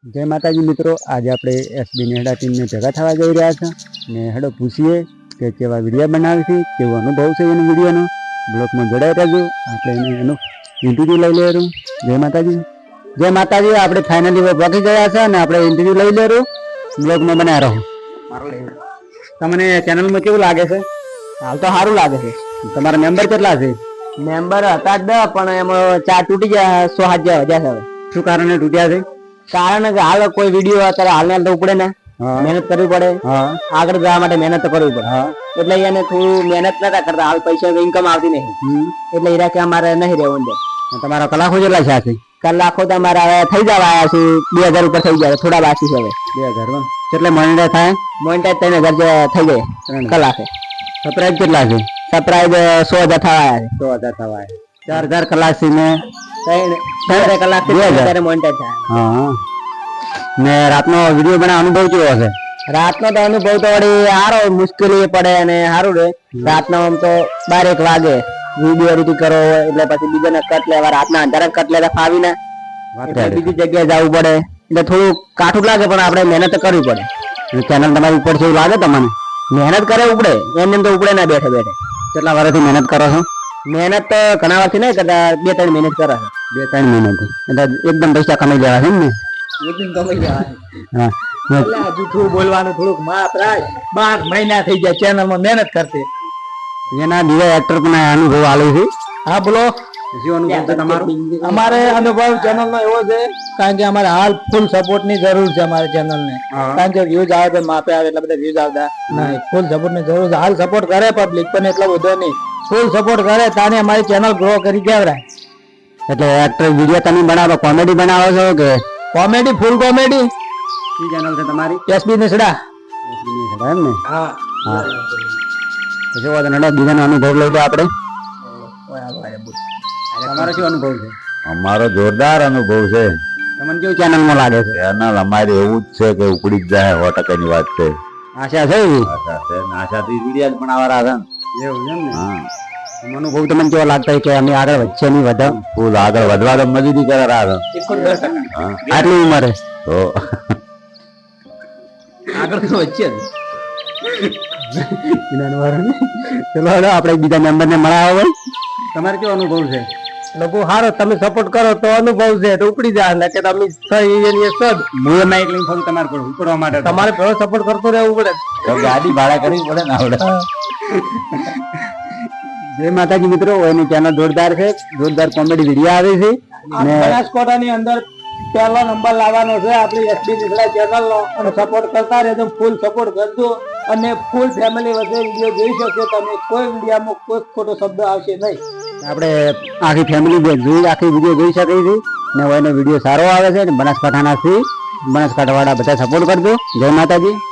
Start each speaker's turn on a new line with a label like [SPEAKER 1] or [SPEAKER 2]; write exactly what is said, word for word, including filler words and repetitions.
[SPEAKER 1] જય માતાજી મિત્રો, આજે આપણે એસબી નેહડા ટીમને ભેગા થવા જઈ રહ્યા છે ને હેડો પૂછીએ કે કેવા વિડીયો બનાવે છે, કેવો અનુભવ છે એનો વિડીયોનો. બ્લોગમાં જોડાઈ રહેજો, આપણે એને એનો ઇન્ટરવ્યૂ લઈ લેવું. જય માતાજી. જય માતાજી. આપણે ફાઇનલી પહોંચી ગયા છે અને આપણે ઇન્ટરવ્યૂ લઈ લેવું. બ્લોગમાં બનાવી રહો. તમને ચેનલમાં કેવું લાગે છે?
[SPEAKER 2] હાલ તો સારું લાગે છે.
[SPEAKER 1] તમારા મેમ્બર કેટલા છે?
[SPEAKER 2] મેમ્બર હતા દસ, પણ એમાં ચાર તૂટી ગયા, સો હાથ જેવા વધ્યા છે.
[SPEAKER 1] શું કારણે તૂટ્યા છે?
[SPEAKER 2] કારણ કે હાલ કોઈ વિડીયો અત્યારે હાલ ને ઉપડે ને, મહેનત કરવી પડે, આગળ જવા માટે મહેનત તો કરવી પડે. એટલે એને થોડું મહેનત નતા કરતા, હાલ પૈસા ઇન્કમ આવતી નહીં, એટલે હીરા કે અમારે નહીં રહેવું દે.
[SPEAKER 1] તમારા કલાકો કેટલા છે?
[SPEAKER 2] કલાકો તો અમારા હવે થઈ જવા આવ્યા છે, બે હજાર ઉપર થઈ જાય, થોડા બાકી છે હવે.
[SPEAKER 1] બે હજાર એટલે મોનિટર થાય?
[SPEAKER 2] મોનિટર ત્રણ હજાર જેવા થઈ જાય કલાકે.
[SPEAKER 1] સબસ્ક્રાઇબ કેટલા છે?
[SPEAKER 2] સબસ્ક્રાઇબ સો હજાર થવા આવ્યા છે.
[SPEAKER 1] સો હજાર થવા આવ્યા. ચાર હજાર કલાક થી ને
[SPEAKER 2] ત્રણ કલાક થી મોનિટર થાય.
[SPEAKER 1] હા. ને રાતનો વિડીયો બનાવ અનુભવ કેવો હશે?
[SPEAKER 2] રાતનો તો અનુભવ તો વળી સારો, મુશ્કેલી પડે અને સારું રહે. રાતનો આમ તો બાર એક વાગે વિડીયો એડિટિંગ કરો એટલે પછી બીજાને કટ લેવા, રાતના અંધારા કટ લેવા ફાવી ના, બીજી જગ્યાએ જવું પડે એટલે થોડું કાઠું લાગે, પણ આપણે મહેનત કરવી પડે.
[SPEAKER 1] ચેનલ તમારી ઉપર છે એવું લાગે તમને?
[SPEAKER 2] મહેનત કરે ઉપડે, એમ એમ તો ઉપડે ના બેઠે બેઠે.
[SPEAKER 1] કેટલા વર્ષથી મહેનત કરો છો?
[SPEAKER 2] મહેનત તો ઘણા વર્ષથી નહીં કરતા, બે ત્રણ મહેનત કરે છે.
[SPEAKER 1] બે ત્રણ મહિના એટલે એકદમ પૈસા કમાઈ લેવા છે ને?
[SPEAKER 2] એકદમ કમાઈ લેવા.
[SPEAKER 1] હા.
[SPEAKER 2] એટલે હજુ થોડું બોલવાનું થોડુંક માપ રાખ. બાર મહિના થઈ ગયા ચેનલમાં મહેનત કરતી.
[SPEAKER 1] એના દિવા એક્ટર પણ અનુભવ આલે છે.
[SPEAKER 2] હા બોલો.
[SPEAKER 1] શું અનુભવ છે તમારો?
[SPEAKER 2] અમારે અનુભવ ચેનલ નો એવો છે, કારણ કે અમારે હાલ ફૂલ સપોર્ટ ની જરૂર છે અમારે ચેનલ ને. કારણ કે વ્યૂઝ આવે તો માપે આવે, એટલા બધા વ્યૂઝ આવતા નહીં. ફૂલ સપોર્ટ ની જરૂર છે. હાલ સપોર્ટ કરે પબ્લિક, પણ એટલો બધો નહીં. ફૂલ સપોર્ટ કરે તાને અમારી ચેનલ ગ્રો કરી કેવરાય.
[SPEAKER 1] એટલે એક્ટર વિડીયો તમે બનાવો, કોમેડી બનાવો છો કે
[SPEAKER 2] કોમેડી? Full comedy.
[SPEAKER 1] કઈ ચેનલ છે તમારી?
[SPEAKER 2] એસબી નેસડા.
[SPEAKER 1] એસબી નેસડા એમ ને?
[SPEAKER 2] હા
[SPEAKER 1] હા. તો જો નડા બીજાનો અનુભવ લઈ લો આપણે. તમારો શું અનુભવ છે?
[SPEAKER 3] અમારો જોરદાર અનુભવ છે.
[SPEAKER 1] તમને કેવું ચેનલમાં લાગે છે?
[SPEAKER 3] ચેનલ અમારે એવું જ છે કે ઉપડી જ જાય, સો ટકાની વાત છે.
[SPEAKER 1] આશા છે એવી?
[SPEAKER 3] આશા છે, આશાથી વિડીયો પણ આવરા છે.
[SPEAKER 1] એવું એમ ને?
[SPEAKER 3] હા.
[SPEAKER 1] અનુભવ તમને કેવો લાગતા કે અમે આગળ વધશે નહીં વધે?
[SPEAKER 3] ફૂલ આગળ વધવા તો મજૂરી કરે રાહ.
[SPEAKER 1] આટલી ઉંમરે
[SPEAKER 3] તો
[SPEAKER 2] આગળ તો વચ્ચે
[SPEAKER 1] ચલો આપણે બીજા મેમ્બર ને મળાવો. ભાઈ તમારે કેવો અનુભવ છે?
[SPEAKER 2] લોકો હારો, તમે સપોર્ટ કરો તો અનુભવ છે તો ઉપડી જાય, ને કે તમે સદ
[SPEAKER 1] હું એમાં એક લઈને ફરું તમારે પર ઉપડવા માટે.
[SPEAKER 2] તમારે પેલો સપોર્ટ કરતો રહેવું પડે,
[SPEAKER 3] તો ગાડી ભાડા કરવી પડે ને આવડે.
[SPEAKER 1] જય માતાજી મિત્રો, એની ચેનલ જોરદાર છે, જોરદાર કોમેડી વિડીયો આવે છે.
[SPEAKER 2] બનાસકાંઠાની અંદર પહેલો નંબર લાવવાનો છે આપણી એસબી નેસડા ચેનલ નો, અને સપોર્ટ કરતા રહેજો, ફૂલ સપોર્ટ કરજો, અને ફૂલ ફેમિલી વચ્ચે વિડીયો જોઈ શકશો તમે. કોઈ વિડીયોમાં કોઈ ખોટો શબ્દ આવશે નહીં.
[SPEAKER 1] આપણે આખી ફેમિલી જોઈ આખી વિડીયો જોઈ શકીએ છીએ ને એનો વિડીયો સારો આવે છે. બનાસકાંઠાના છે, બનાસકાંઠા વાળા બધા સપોર્ટ કરજો. જય માતાજી.